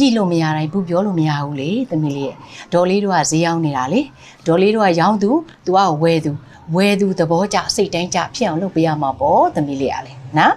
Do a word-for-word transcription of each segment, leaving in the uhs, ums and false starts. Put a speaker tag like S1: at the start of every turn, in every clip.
S1: ကြည့်လို့မရတိုင်းဘူးပြောလို့မရဘူးလေသမီးလေးရဲ့ဒေါ်လေးတို့ကဈေးရောက်နေတာလေဒေါ်လေးတို့ကရောင်းသူသူကဝယ်သူဝယ်သူသဘောကျစိတ်တိုင်းကျဖြစ်အောင်လုပ်ပေးရမှာပေါ့သမီးလေးကလေနော်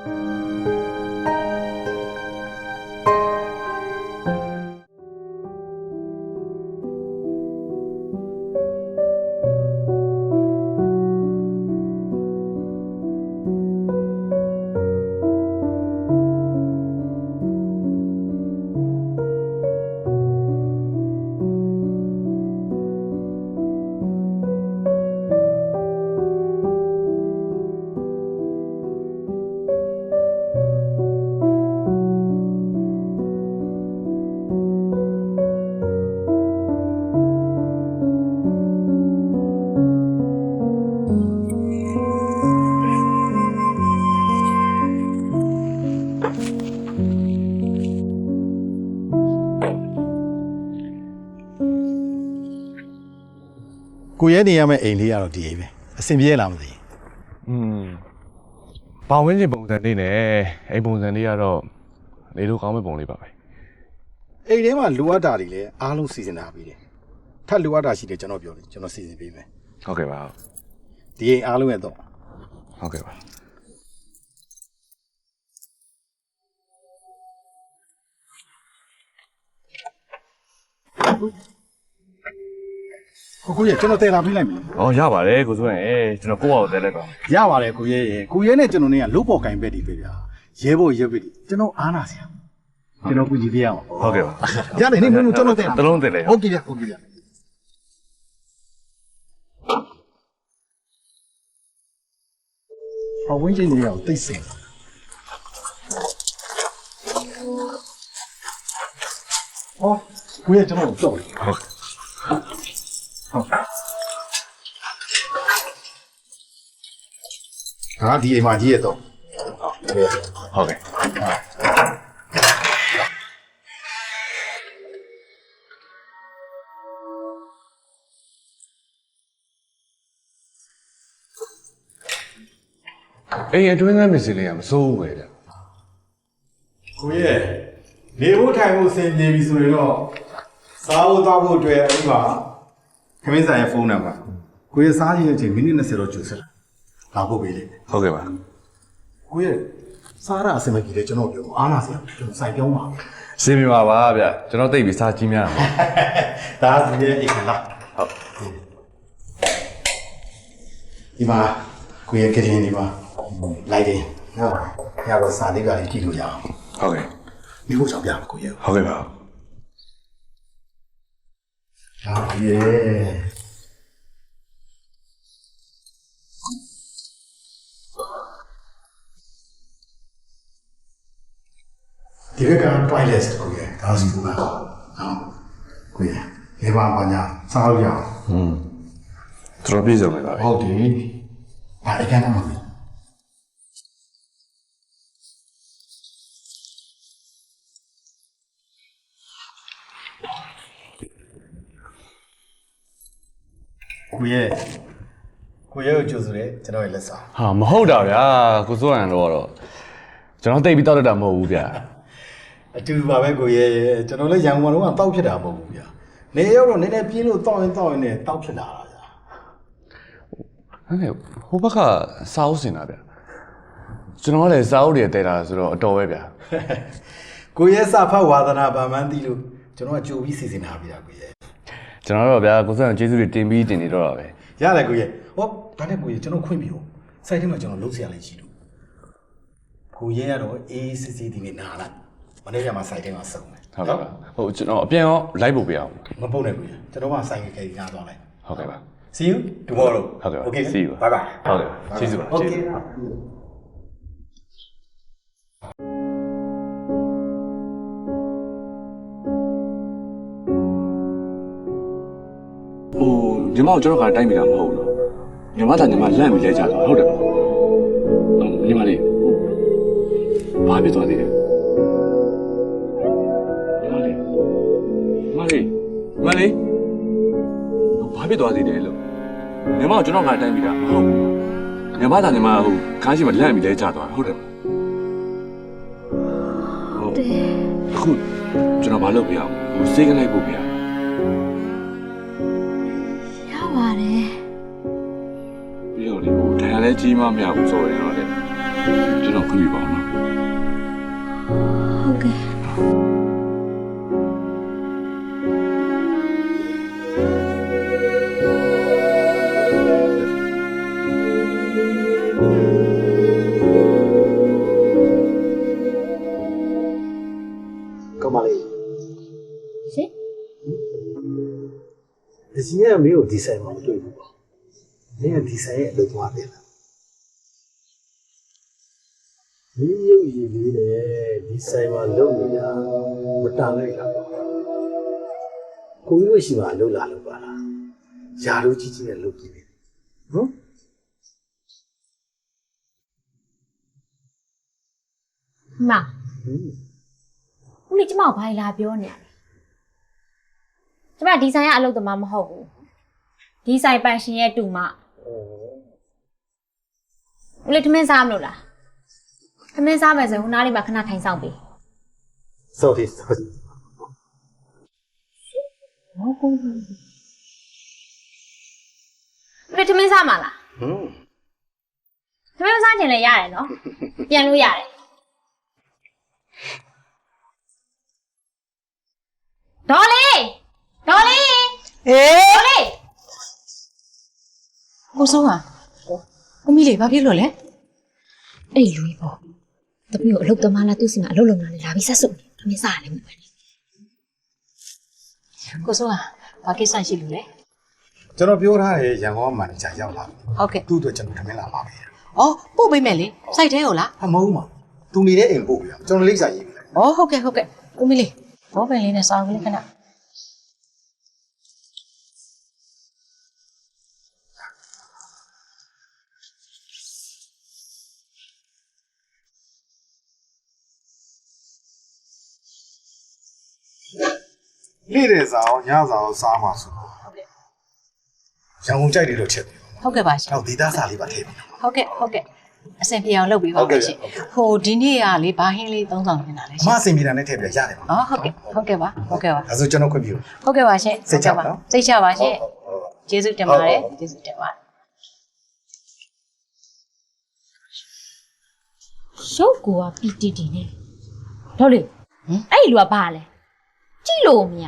S2: ကိုရဲနေရမယ့်အိမ်လေးကတော့ဒီအိမ်ပဲအဆင်ပြေလားမသိဘူး
S3: อืมဘောင်ဝင်းကျင်ပုံစံလေးနဲ့အိမ်ပုံစံလေးကတော့နေလို့ကောင်းမဲ့ပုံလေးပါပဲ
S2: အိမ်ထဲမှာလိုအပ်တာတွေလည်းအားလုံးစီစဉ်ထားပြီးတယ်ထပ်လိုအပ်တာရှိတယ်ကျွန်တော်ပြောတယ်ကျွန်တော်စီစဉ်ပေးမယ်
S3: ဟုတ်ကဲ့ပါ
S2: ဒီအိမ်အားလုံးရဲ့တော့
S3: ဟုတ်ကဲ့ပါ
S2: ကိုရဲကျွန်တော်တည်လာပေးလိုက်မယ်
S3: ။အော်ရပါတယ်ကိုစိုးရင်ကျွန်တော်ကိုယ့်ဘာကိုတည်လိုက်ပါမယ်
S2: ။ရပါတယ်ကိုရဲရေကိုရဲနဲ့ကျွန်တော်နဲ့ကလုတ်ပေါ်ကင်ဘက်တွေပဲဗျာ။ရဲဖို့ရဲပဲဒီကျွန်တော်အားနာစရာ။ကျွန်တော်ကူကြည့်ပြရအောင်
S3: ။ဟုတ်ကဲ့ပါ
S2: ။ရတယ်နေမင်းကျွန်တော်တည်
S3: တလုံးတည်လိုက်
S2: ။ဟုတ်ကဲ့ဗျဟုတ်ကဲ့ဗျ။ဟောဝင်းချင်းတွေအောင်တိတ်စင်။ဟောကိုရဲကျွန်တော်ကြောက်တယ်။ဟုတ်ဟုတ်ဟာဒီအိမ်မှာကြီးရတော့
S3: ဟုတ်ကဲ့အိမ်အတွင်းသားမစ္စလေးကမစိုးဘူးပဲဗျ
S2: ကိုရဲနေဖို့ထိုင်ဖို့အဆင်ပြေပြီဆိုရင်တော့စားဖို့တောက်ဖို့အတွက်အဲ့မှာခမင်းဆိုင်ရဲ့ဖုန်းနံပါတ်ကိုရဲစားရတဲ့အချိန်မိနစ်၂၀တော့ကြိုဆက်လာဖို့ပေးလေ
S3: ဟုတ်ကဲ့ပါ
S2: ကိုရဲစားရအဆင်မပြေလေကျွန်တော်ပြောအားနာစရာကျွန်တော်စိုက်ပြောင်းပါ
S3: ရှင်းပြပါပါဗျကျွန်တော်သိပြီစားကြီးများ
S2: ဒါဒီရဲ့အိမ်လား
S3: ဟုတ်
S2: ဒီမှာကိုရဲကရင်ဒီမှာလိုက်တယ်နော်ရတော့စာလေးကလေးကြည့်လို့ရအောင်
S3: ဟုတ်ကဲ့
S2: မိဖို့ကြောင့်ပြမှာကိုရဲ
S3: ဟုတ်ကဲ့ပါ
S2: ဟုတ်ကဲ့ဒီဘက်က toilet ကိုရဲဒါစီကနော်ကိုရဲဒီမှာပါညာစားလို့ရအောင်
S3: อืมတော်ပြေဆုံးပါပဲ
S2: ဟုတ်တယ်ဒါအကန်းတော့ကိုရဲကိုရဲကိုကြိုဆိုတယ်ကျွန်တော်ရဲ့လက်ဆောင်
S3: ဟာမဟုတ်တာဗျာကိုစိုးရန်တော့တော့ကျွန်တော်တိတ်ပြီးတောက်တတ်တာမဟုတ်ဘူးဗျာ
S2: အတူတူပါပဲကိုရဲကျွန်တော်လည်းရန်ကုန်မှာတော့တောက်ဖြစ်တာမဟုတ်ဘူးဗျာနေရောက်တော့နည်းနည်းပြင်းလို့တောက်ရင်တောက်ရင်လည်းတောက်ဖြစ်လာတာဗျာ
S3: ဟဲ့ဟိုဘက်ကစားအုပ်စင်တာဗျာကျွန်တော်ကလည်းစားအုပ်တွေတဲတာဆိုတော့အတော်ပဲဗျာ
S2: ကိုရဲစာဖတ်ဝါသနာဗာမန်းတီးလို့ကျွန်တော်ကကြိုပြီးစီစဉ်ထားပြီလားကိုရဲ
S3: ကျွန်တော်တော့ဗျာကိုစိုးရန်ကျေးဇူးတွေတင်ပြီးတင်နေတော့တာပဲ
S2: ရတယ်ကိုရဲဟောဒါနဲ့ကိုရဲကျွန်တော်ခွင့်ပြုစိုက်ထဲမှာကျွန်တော်လုံးစရာလေးရှိလို့ကိုရဲကတော့အေးစစ်စစ်ဒီနေ့နာလိုက်မနေ့ကမှစိုက်ထဲမှာစုံတယ်
S3: ဟုတ်ကဲ့ပါဟုတ်ကျွန်တော်အပြန်ရောလိုက်ဖို့ပြအောင်
S2: မပုတ်နဲ့ကိုရဲကျွန်တော်ကစိုက်ခဲကြီးနားသွားလိုက်
S3: ဟုတ်ကဲ့ပါ
S2: see you tomorrow
S3: ဟုတ်ကဲ့ပါ
S2: okay
S3: see you
S2: bye bye
S3: ဟုတ်ကဲ့ကျေးဇူးပါကျေးဇူးညီမတို့ကျွန်တော်ကတိုက်မိတာမဟုတ်ဘူး။ညီမသားညီမလန့်ပြီးလဲကြတော့ဟုတ်တယ်မဟုတ်။ညီမလေးဘာဖြစ်သွားသေးလဲ။ညီမလေးညီမလေးညီမလေးဘာဖြစ်သွားသေးတယ်လို့ညီမကျွန်တော်ကတိုက်မိတာမဟုတ်ဘူး။ညီမသားညီမဟိုခါးရှိမှလန့်ပြီးလဲကြသွားဟုတ်တယ်။ဟုတ်တယ်။အခုကျွန်တော်မလုပ်ပြရဘူးစိတ်ကလိုက်ဖို့ပြရ
S4: ရပါတယ်
S3: ပြီးတော့လေဟိုထိုင်ရလဲကြီးမမရဘူးဆိုရင်တော့လေကျွန်တော်ခွင့်ပြုပါအောင်နော်
S4: ဟုတ်ကဲ့
S5: ကောင်းပါလေ
S4: ရှင်
S5: ဒီစီကမင်းကိုဒီဆိုင်မှာမတွေ့ဘူးပေါ့မင်းကဒီဆိုင်ရဲ့အလုပ်သွားတယ်လားဒီရုပ်ရည်လေးနဲ့ဒီဆိုင်မှာလုပ်နေတာမတန်လိုက်တာပေါ့ကိုကြီးဝရှိမှာလုပ်လာလို့ပါလားယာတို့ကြီးကြီးနဲ့လုပ်ကြည့်တယ်နော်
S4: မဦးလေးကျမကိုဘာလာပြောနေရလဲကျမဒီဆိုင်ကအလုပ်သမားမဟုတ်ဘူးဒီဆိုင်ပိုင်ရှင်ရဲ့တူမဦးလေးထမင်းစားမလို့လားထမင်းစားမယ်ဆိုရင်ဟိုနားလေးမှာခဏထိုင်ဆောင်ပေး
S5: sorry sorry
S4: ဟုတ်ကူဦးလေးထမင်းစားမှာလား
S5: ဟွန်း
S4: ထမင်းမစားချင်လည်းရတယ်နော်ပြန်လို့ရတယ်ဒေါ်လေးဒေါ်လေး
S1: အေး
S4: ဒေါ်လေး
S1: ကိုစိုးဟာကိုမီလေးဘာဖြစ်လို့လဲ
S4: အဲ့လူကြီးပေါ့တပည့်ကိုအလုပ်သမားလားသူ့စီမှာအလုပ်လုပ်နေလာပြီးဆက်စုပ်နေထမင်းစားရတယ်မဟုတ်ဘူး
S1: ကိုစိုးဟာဘာကိစ္စရှိလို့လဲ
S2: ကျွန်တော်ပြောထားတယ်ရန်ကုန်မန်နေဂျာရောက်လာပြီ
S1: ဟုတ်ကဲ့
S2: သူ့အတွက်ကျွန်တော်ထမင်းလာပါပဲ
S1: ဩပို့ပေးမယ်လေစိုက်သေးဟုတ်လား
S2: ဟာမဟုတ်ပါသူနေတဲ့အိမ်ပို့ပြီလားကျွန်တော်လိပ်စာရေးပြီလား
S1: ဩဟုတ်ကဲ့ဟုတ်ကဲ့ကိုမီလေးဘောပင်လေးနဲ့စောင်းကလေးခဏ
S2: နေ့တဲ့စာအောင်ညစာအောင်စားမှာဆိုတော့ဟုတ်ကဲ့ရန်ကုန်ကြိုက်တယ်လို့ချက်တယ်
S1: ဟုတ်ကဲ့ပါရှင်
S2: တော့ဒေတာစာလေးပါထည့်ပြီ
S1: ဟုတ်ကဲ့ဟုတ်ကဲ့အဆင်ပြေအောင်လုပ်ပေးပါမယ်ရှင်ဟိုဒီနေ့ကလေဘာဟင်းလေးသုံးဆောင်နေတာလဲ
S2: အ
S1: ရှင်
S2: မအစင်ပြေတာနဲ့ထည့်ပြရတယ်ပါ
S1: อ๋อဟုတ်ကဲ့ဟုတ်ကဲ့ပါဟုတ်ကဲ့ပါ
S2: ဒါဆိုကျွန်တော်ခွင့်ပြု
S1: ဟုတ်ကဲ့ပါရှင်
S2: စိတ်ချပါနော်
S1: စိတ်ချပါရှင်ကျေးဇူးတင်ပါတယ်ကျေးဇူးတင်ပါတယ်
S4: ရုပ်ကိုကပီတီတီနဲ့ဒေါ်လေးအဲ့ဒီလူကဘာလဲကြည့်လို့မရ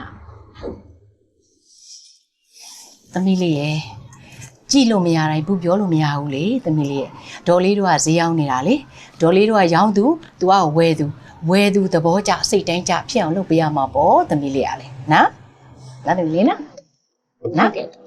S1: သမီးလေးရယ်ကြည့်လို့မရတိုင်းဘူးပြောလို့မရဘူးလေသမီးလေးရယ်ဒေါ်လေးတို့ကဈေးရောက်နေတာလေဒေါ်လေးတို့ကရောင်းသူ तू ကဝယ်သူဝယ်သူသဘောကျစိတ်တိုင်းကျဖြစ်အောင်လုပ်ပေးရမှာပေါ့သမီးလေးရလေနော်နားတယ်လေနော်နော်